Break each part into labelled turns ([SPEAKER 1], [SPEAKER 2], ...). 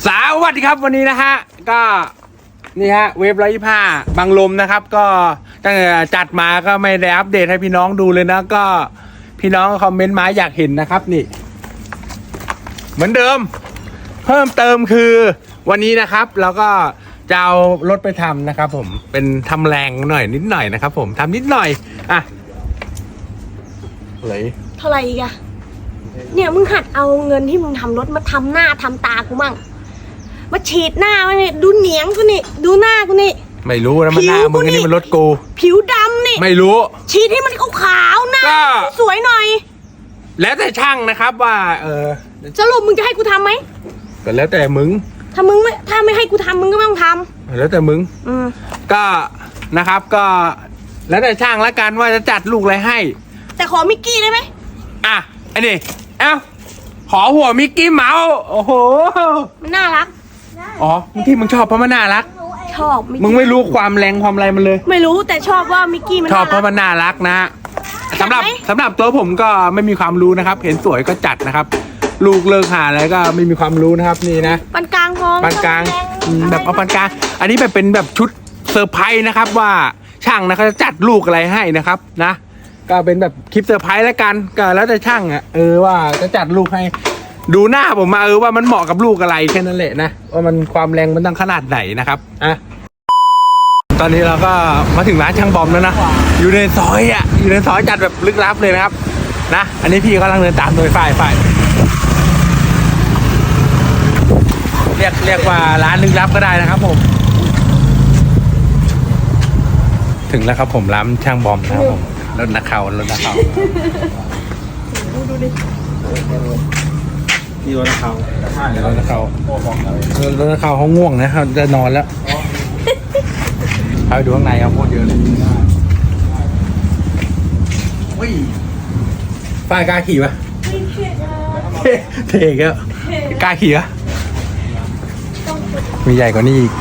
[SPEAKER 1] สวัสดีครับวันนี้นะฮะก็นี่ฮะเวฟ125บังลมนะครับก็ตั้งแต่จัดมาก็ไม่ได้อัปเดตให้พี่น้องดูเลยนะก็พี่น้องคอมเมนต์มาอยากเห็นนะครับนี่เหมือนเดิมเพิ่มเติมคือวันนี้นะครับเราก็จะเอารถไปทำนะครับผมเป็นทำแรงหน่อยนิดหน่อยนะครับผมทำนิดหน่อยอ่ะเลย
[SPEAKER 2] เท่าไหร่อีกอะเนี่ยมึงหัดเอาเงินที่มึงทำรถมาทำหน้าทำตากูมั่งมาฉีดหน้ามาเนี่ยดูเหนียงกูนี่ดูหน้ากูนี่
[SPEAKER 1] ไม่รู้นะมันหน้ามึงอันนี้มันรถกู
[SPEAKER 2] ผิวดำนี่
[SPEAKER 1] ไม่รู้
[SPEAKER 2] ฉีดให้มันขาวๆหน้าสวยหน่อย
[SPEAKER 1] แล้วแต่ช่างนะครับว่า
[SPEAKER 2] สรุปมึงจะให้กูทำไหม
[SPEAKER 1] ก็แล้วแต่มึง
[SPEAKER 2] ถ้าไม่ให้กูทำมึงก็ไม่ต้องทำ
[SPEAKER 1] แล้วแต่มึงก็นะครับก็แล้วแต่ช่างละกันว่าจะจัดลูกอะไรให้
[SPEAKER 2] แต่ขอมิกกี้ได้ไหม
[SPEAKER 1] อ่ะไอ้นี่เอ้าขอหัวมิกกี้เมาส์โอ้โห
[SPEAKER 2] มันน่ารัก
[SPEAKER 1] อ๋อที่มึงชอบเพราะมันน่ารัก
[SPEAKER 2] ชอบ
[SPEAKER 1] มึงไม่รู้ความแรงความอะไรมันเลย
[SPEAKER 2] ไม่รู้แต่ชอบว่ามิกกี้มัน
[SPEAKER 1] ชอบเพราะมันน่ารักนะสำหรับตัวผมก็ไม่มีความรู้นะครับเห็นสวยก็จัดนะครับลูกเลิกหาอะไรก็ไม่มีความรู้นะครับนี่นะ
[SPEAKER 2] ปานกลางพอ
[SPEAKER 1] ปานกลางแบบเอาปานกลางอันนี้แบบเป็นแบบชุดเซอร์ไพรส์นะครับว่าช่างนะเขาจะจัดลูกอะไรให้นะครับนะก็เป็นแบบคลิปเซอร์ไพรส์แล้วกันก็แล้วแต่ช่างอ่ะว่าจะจัดลูกให้ดูหน้าผมมาว่ามันเหมาะกับลูกอะไรแค่นั้นแหละนะว่ามันความแรงมันตั้งขนาดไหนนะครับอ่ะตอนนี้เราก็มาถึงร้านช่างบอมแล้วนะอยู่ในซอยอ่ะอยู่ในซอยจัดแบบลึกลับเลยนะครับนะอันนี้พี่กำลังเดินตามโดยฝ่ายเรียกว่าร้านลึกลับก็ได้นะครับผมถึงแล้วครับผมร้านช่างบอมนะครับผมรถนักข่าว
[SPEAKER 2] ดูดิ
[SPEAKER 1] นี่รถนักข่าวใช่รถนักข่าวรถนักข่าวเขาง่วงนะครับจะนอนแล้วไปดูข้างในเอาโคตรเยอะเลยป้ายกล้าขี่ปะเท่ก็กล้าขี่ปะมีใหญ่กว่านี้อีก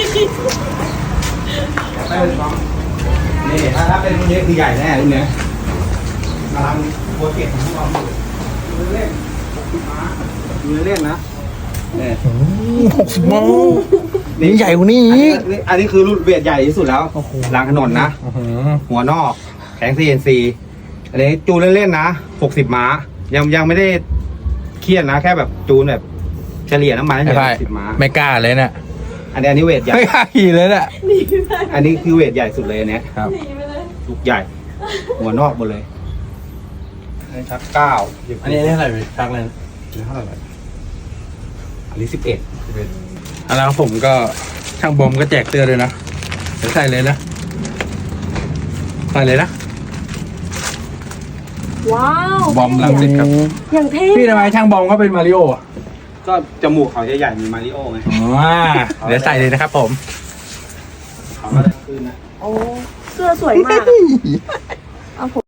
[SPEAKER 1] นี่ถ้าเป็นรุ่นนี้คือใหญ่แน่รุ่นนี้กำลังโปรเจกต์ของเราดูเล่นนะเนี่ย60 โมงนี่ใหญ่กว่านี้อันนี้คือรุ่นเวทใหญ่ที่สุดแล้วรางถนนนะหัวนอกแข็ง CNC อันนี้จูนเล่นๆนะ60 ม้ายังไม่ได้เครียดนะแค่แบบจูนแบบเฉลี่ยน้ำมันให้60 ม้าไม่กล้าเลยนะอันนี้เวทใหญ่ไม่กล้าขี่เลยนะอันนี้คือเวทใหญ่สุดเลยเนี่ยครับลูกใหญ่หัวนอกหมดเลยชัก9อันนี้เท่าไหร่ชักเลยเท่าไหร่อันนี้11แล้วผมก็ช่างบอมก็แจกเตือนเลยนะเดี๋ยวใส่เลยนะใส่เลยนะ
[SPEAKER 2] ว้าว
[SPEAKER 1] บอมลังสิตครับ
[SPEAKER 2] อย่างเท่
[SPEAKER 1] พี่ทำไมช่างบอมก็เป็นมาริโออ่ะ
[SPEAKER 3] ก็จมูกเขาใหญ่ๆมีมาริโอไง
[SPEAKER 1] เดี๋ยวใส่เลยนะครับผม
[SPEAKER 3] เขาก็ได้ขึ้นนะ
[SPEAKER 2] โอ้เสื้อสวยมากเอาผม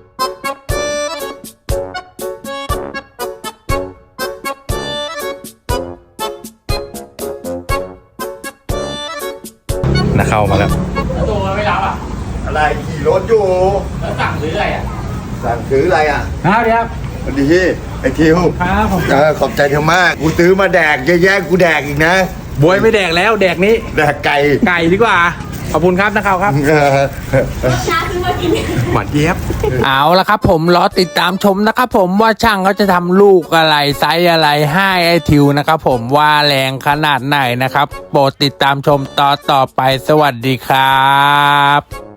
[SPEAKER 1] นะเข้ามาแล้ว
[SPEAKER 4] ตัวไม่รับอ่ะ
[SPEAKER 5] อะไรขี่รถอยู่
[SPEAKER 4] แล้วสั่งซื้ออะไรอ่ะ
[SPEAKER 5] สั่งซื้ออะไรอ่ะ
[SPEAKER 1] ครับ
[SPEAKER 5] สวัสดีไอ้ทิว
[SPEAKER 1] ครับผม
[SPEAKER 5] ขอบใจเธอมากกูซื้อมาแดกแย่ๆกูแดกอีกนะ
[SPEAKER 1] บวยไม่แดกแล้วแดกนี้
[SPEAKER 5] แดกไก่
[SPEAKER 1] ดีกว่าขอบคุณครับนะครับ
[SPEAKER 2] ช้าขึ้นมากิน
[SPEAKER 1] หวานเจี๊ยบเอาละครับผมรอติดตามชมนะครับผมว่าช่างเขาจะทำลูกอะไรไซส์อะไรให้ไอทิวนะครับผมว่าแรงขนาดไหนนะครับโปรดติดตามชมต่อไปสวัสดีครับ